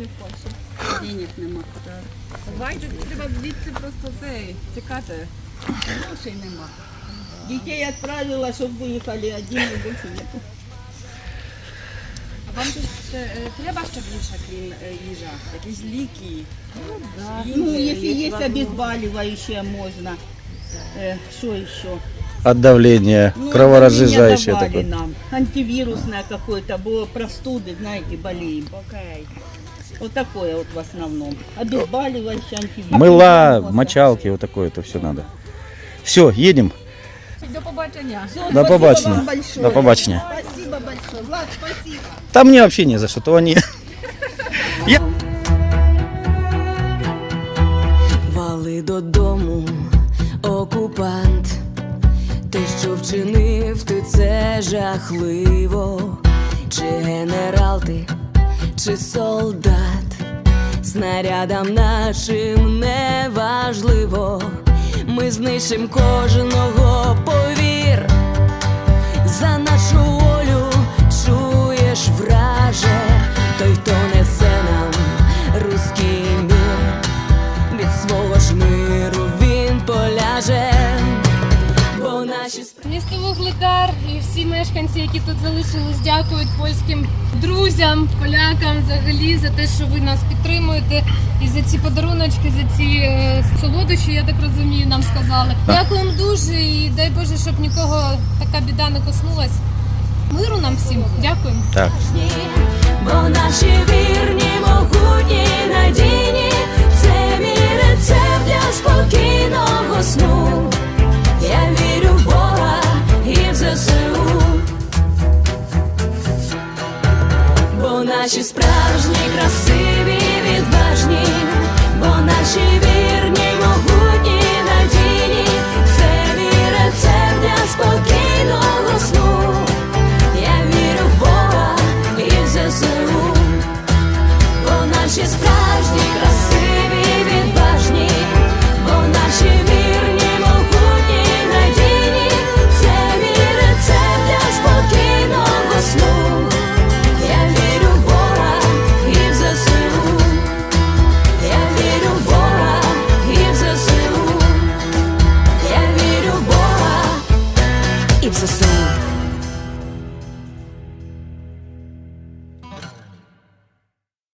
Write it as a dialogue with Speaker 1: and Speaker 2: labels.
Speaker 1: в Польщі.
Speaker 2: Денег нема.
Speaker 1: Давайте, треба звідси просто тікати.
Speaker 2: Грошей нема. Дітей відправила, щоб виїхали, а денег більше нету.
Speaker 1: А вам тут треба ще більше, крім їжа? Якісь ліки?
Speaker 2: Ну, если есть обезболивающее, можно. Что еще?
Speaker 3: От давления,
Speaker 2: Ну,
Speaker 3: кроворазжижающее
Speaker 2: давление
Speaker 3: такое.
Speaker 2: давали нам. Антивирусное какое-то, было простуды, знаете, болеем.
Speaker 1: Окей.
Speaker 2: Вот такое вот в основном. Обезболивающее, антивирус.
Speaker 3: Мыла, мочалки, вот такое это все надо. Все, едем.
Speaker 1: До побачення.
Speaker 2: Всё,
Speaker 3: До
Speaker 2: спасибо
Speaker 3: побачення.
Speaker 2: вам большое.
Speaker 3: До побачення.
Speaker 2: Спасибо большое. Влад, спасибо.
Speaker 3: Там мне вообще не за что, то они...
Speaker 4: Вали додому, окупант, ти що вчинив, ти це жахливо. Чи генерал ти, чи солдат, снарядам нашим не важливо. Ми знищим кожного, повір, за нашу волю, чуєш, враже, той, хто несе нам руський мір, від свого ж миру він поляже, бо наші
Speaker 5: Місто Вугледар і всі мешканці, які тут залишились, дякують польським друзям, полякам взагалі за те, що ви нас підтримуєте. І за ці подаруночки, за ці солодощі, я так розумію, нам сказали. Дякуємо дуже і дай Боже, щоб нікого така біда не коснулась. Миру нам всім. Дякуємо.
Speaker 3: Так.
Speaker 4: бо наші вірні, могутні, надійні, це мій рецепт для спокійного сну. Я вірю в Бога і в ЗСУ, бо наші справжні, красиві, відважні, бо наші вірні, могутні, надійні, це мій рецепт для спокійного сну. Я вірю в Бога і в ЗСУ, бо наші справжні, красиві, відважні, бо наші вірні, могутні, надійні, це мій рецепт для спокійного сну. Я вірю в Бога і в ЗСУ, я вірю в Бога і в ЗСУ, я вірю в Бога і в ЗСУ.